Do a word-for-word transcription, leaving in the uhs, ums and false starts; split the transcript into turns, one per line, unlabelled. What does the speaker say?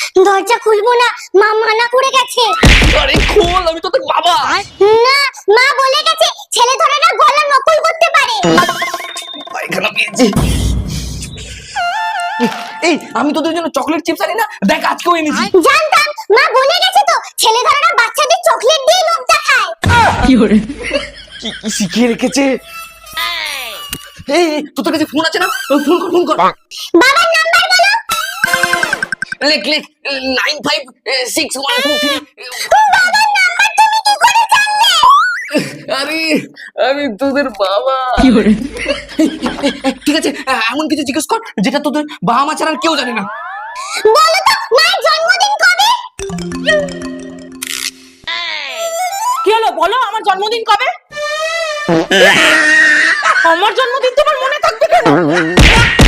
দরজা খুলবো না, মা মানা করে গেছে।
আরে খোল, আমি তো তোর বাবা।
না, মা বলে গেছে ছেলে ধরেরা গলা নকল করতে পারে।
পায়খানা পেয়েছি। এই আমি তোদের জন্য চকলেট চিপস আনি না, দেখ আজকেও এনেছি।
জানতাম, মা বলে গেছে তো ছেলে ধরেরা বাচ্চাদের চকলেট দিয়ে লোভ দেখায়।
কি করে কি কি শিখিয়ে রেখেছে। এই তোর কাছে ফোন আছে না, ফোন কর ফোন কর।
বাবার নাম্বার বলো।
লেখ লেখ nine five six one two three.
বাবার নাম্বার তুমি কি করে জানলে?
আরে আমি তোদের বাবা। কি করে ঠিক আছে, এমন কিছু জিজ্ঞেস কর যেটা তোদের বাবা মা ছাড়া আর কেউ জানে না।
বলো তো মায়ের জন্মদিন কবে?
কি হলো বলো, আমার জন্মদিন কবে? আমার জন্মদিন তোমার মনে থাকবে কেন?